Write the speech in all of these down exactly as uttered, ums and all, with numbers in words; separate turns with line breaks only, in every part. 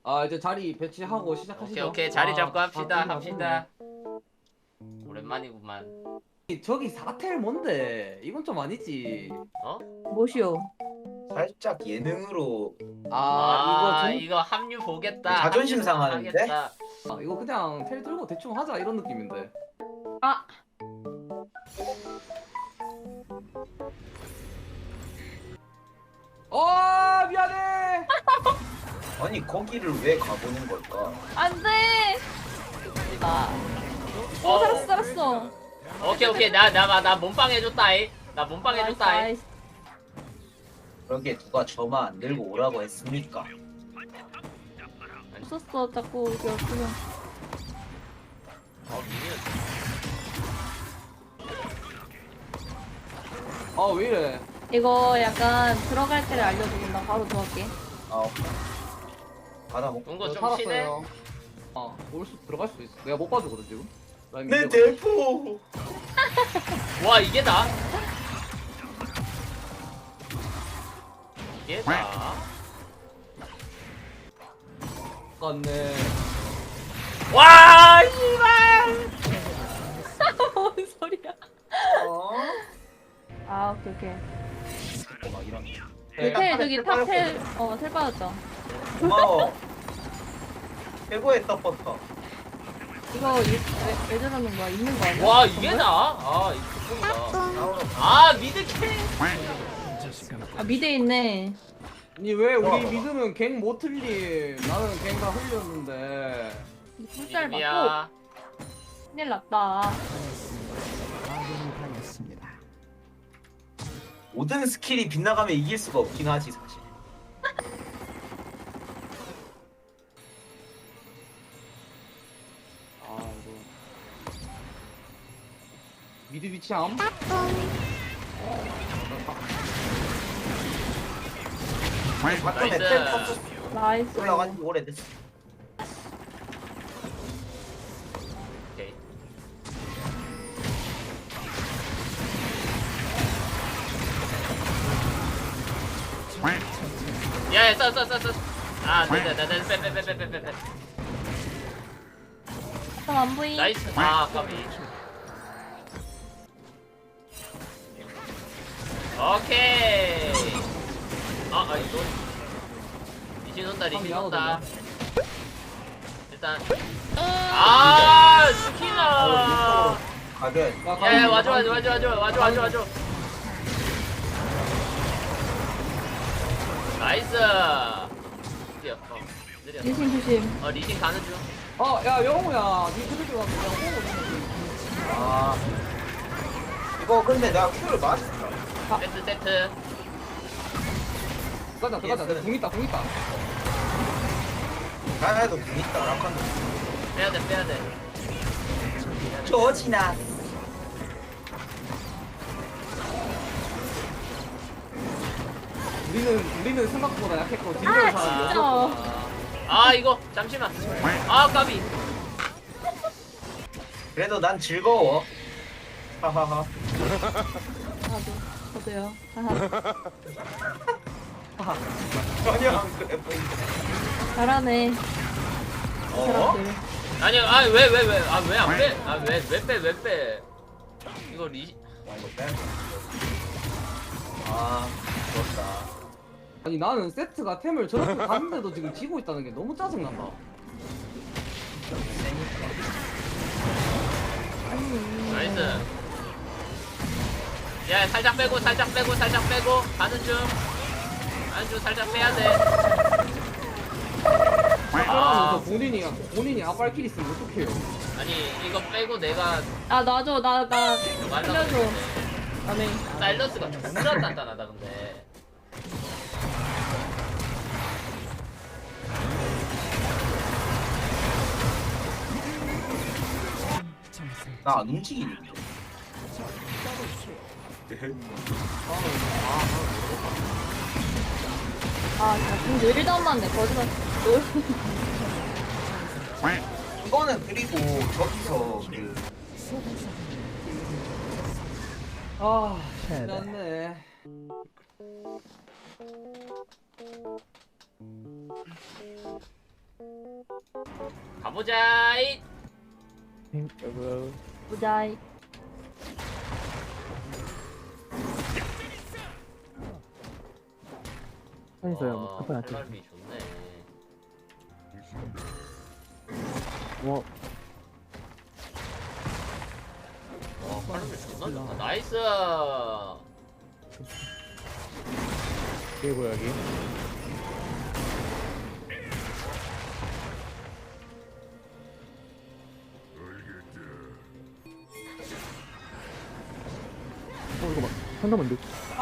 아 이제 자리 배치하고
오케이
시작하시죠.
오케이 자리
아,
잡고 합시다
아,
합시다. 오랜만이구만.
저기 사텔 뭔데? 이건 좀 아니지.
어?
뭐시오?
살짝 예능으로
아 이거
아
좀
이거 합류 보겠다.
자존심
합류
상하는데?
하겠다.
아, 이거 그냥 텔 들고 대충 하자 이런 느낌인데.
아,
어 미안해.
아니 거기를 왜 가보는 걸까?
안 돼! 아, 어,
어.
살았어, 살았어.
오케이 오케이 나 나 나 몸빵 해줬다이. 나 몸빵
나이스,
해줬다이.
나이스.
그러게 누가 저만 안 들고 오라고 했습니까?
없었어, 자꾸 이게 없으면.
어 미니언.
아 왜 이래?
이거 약간 들어갈 때를 알려주면 나 바로 들어갈게.
아 받아 먹고
뭔가 좀
살았어요.
쉬네.
아올 수 들어갈 수도 있어. 내가 못 봐주거든 지금. 라인
내
밀려가지고.
대포
와 이게 다? 이게 다?
갔네.
와 씨발!
뭔 소리야?
어?
아, 오케이, 오케이.
막 이런
네,
텔, 저기 탑텔, 어, 텔 받았죠.
고마워 최고의 떡버터
이거 이- 왜, 왜 저러는 거야? 있는 거 아니야?
와 이게 다? 아 이거 좋다. 아 미드캐.
아, 미드에 있네.
아니 왜
좋아,
우리
좋아.
믿으면 갱 못 틀림. 나는 갱 다 흘렸는데.
풀잘 받고
미드야.
큰일 났다.
모든 스킬이 빗나가면 이길 수가 없긴 하지 사실.
아 이거 미드 위치함?
바텀에
나이스.
텔 탑
나이스.
올라간 지 오래됐어.
오케이. 야야 써써써 써. 아 네네 네네 빼빼빼빼빼빼.
안 보이.
나이스. 아 까비. 오케이. 아, 아 이거 리신 온다 리신 온다. 일단 아 스키나.
가든
야야 와줘 와줘 와줘 와줘 와줘 와줘 와줘. 나이스. 드디어. 어, 느려.
리신 조심.
어 리신 가는 중.
어야 영호야 니 그들 좀 내가 호흡
아 이거 근데 나 큐를 맞았어.
세트 세트.
들어가자 들어가자 내가 궁 있다 궁 있다.
나도 재밌다 락한다.
빼야 돼 빼야 돼.
조지나
우리는 우리는 생각보다 약했고
아,
딜러는 사람
진짜.
없었구나.
아 이거 잠시만. 아 까비.
그래도 난 즐거워. 하하하.
나도. 저도요. 하하.
전혀 안 그래 보인다.
잘하네. 이
어?
사람들.
아니 아왜 왜 왜 아 왜 안 빼? 아 왜 왜 빼 왜 빼? 이거 리
아 이거 빼. 아 좋았다.
아니 나는 세트가 템을 저렇게 갔는데도 지금 지고 있다는 게 너무 짜증난다.
나이스. 야 살짝 빼고 살짝 빼고 살짝 빼고 가는 중. 가는 중 살짝 빼야 돼.
아, 저 본인이 본인이 아빨킬 있으면 어떡해요?
아니 이거 빼고 내가
아, 놔줘. 나, 나.
말라고
살려줘.
했는데
아네.
사일러스가 존나 단단하다 근데.
나 안 움직이니.
아, 진짜 근데 일도 안 맞네. 거짓말.
이거는 그리고 저기서 그
아, 신났네.
가보자. 이.
여보.
보자이.
편있어요.
와,
뭐 급한 안
칼날비 좋네.
뭐
와, 칼날비 존나 좋다. 나이스.
이게 뭐야 여기? 어 이거 막 한다면 돼.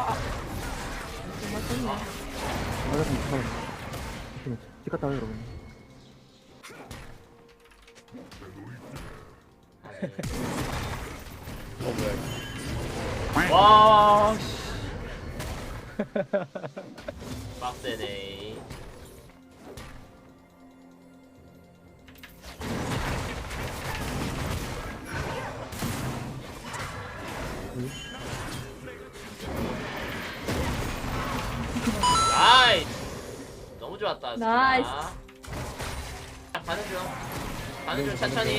정말 떴네.
맞았으면 잠깐만. 잠깐만. 집 갔다 와요 여러분. 어 뭐야? 이거.
와. 씨. 빡세네. 나이스. 너무 좋았다.
나이스.
자, 가는 중. 가는 중 천천히.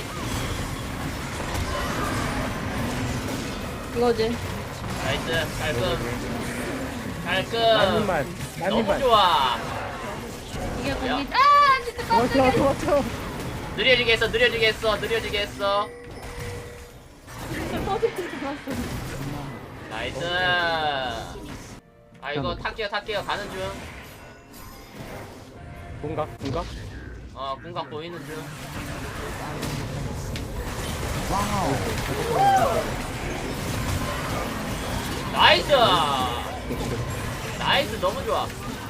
이거지.
나이스. 깔끔. 깔끔.
만님만.
너무
만님만.
좋아.
이게
뭐야?
공이. 아 진짜
도망쳐
깜짝이야.
도망쳐.
느려지게 했어. 느려지게 했어. 느려지게 했어.
터질 줄 알았어.
나이스. 아 이거 탈게요. 탈게요. 가는 중.
공각 공각.
어 궁각 보이는 중. 나이스. 나이스. 너무 좋아.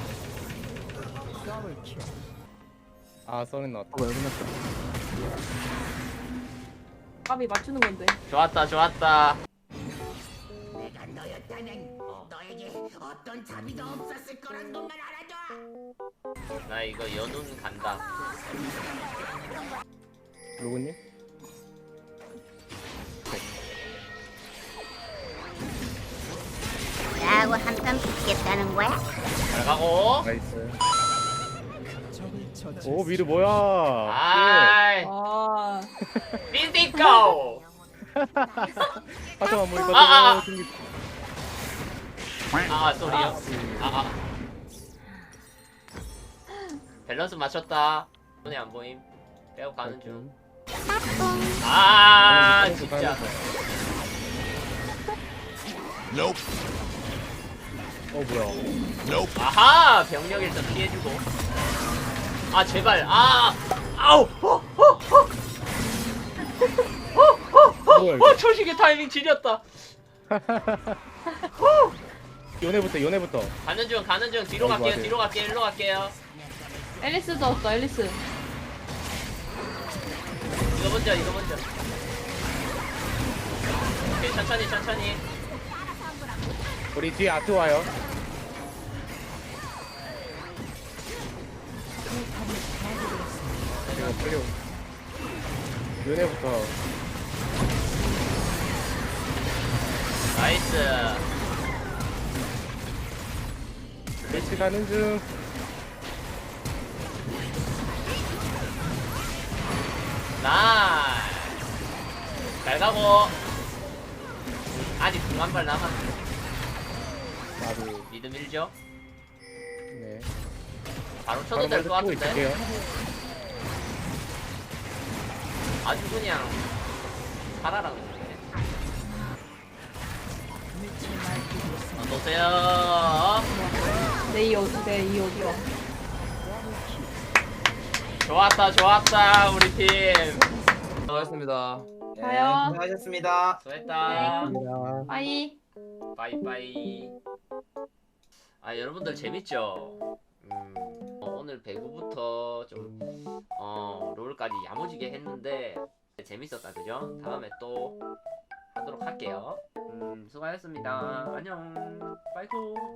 아 썰은 나왔다. 어 여기 났다.
까비 맞추는 건데.
좋았다. 좋았다.
내가 너였다면
어,
너에게 어떤 자비도 없었을 거란 것만 알아줘.
나 이거 연운 간다.
로그님?
나하고 한판 붙겠다는 거야?
잘 가고.
나이스. 오 미드 뭐야?
아이.
아.
빈티코.
하자만 보니까
아, 아, 아.
너무 생기.
아 쏘리요. 아 아. 밸런스 맞췄다. 손에 안 보임. 빼고 가는 중. 아 진짜.
어 뭐야?
아하 병력 일단 피해주고. 아 제발. 아 아우. 어, 어, 어.
뭐야
어
이거?
초식의 타이밍 지렸다.
요네부터 요네부터.
가는 중 가는 중 뒤로
아이고,
갈게요.
아이고.
뒤로 갈게요. 일로 갈게요.
앨리스도 왔어. 앨리스.
이거 먼저 이거 먼저. 오케이 천천히 천천히.
우리 뒤에 아트 와요. 이거 빨리. 오- 요네부터.
나이스.
매치 가는 중.
나이스. 잘 가고. 아직 한 발 남았어.
나도.
미드 밀죠.
네.
바로 쳐도
바로
될 것
먼저 치고
같은데.
있을게요.
아주 그냥 살아라고 그러네. 어서오세요.
내이 어디 내이 어디야?
좋았다 좋았다 우리 팀.
수고하셨습니다.
네,
가요.
수고하셨습니다.
수고했다.
감사합니다.
빠이.
빠이빠이. 아 여러분들 재밌죠? 음, 어, 오늘 배구부터 좀 어, 롤까지 야무지게 했는데 재밌었다 그죠? 다음에 또 하도록 할게요. 음, 수고하셨습니다. 안녕. 빠이쿠.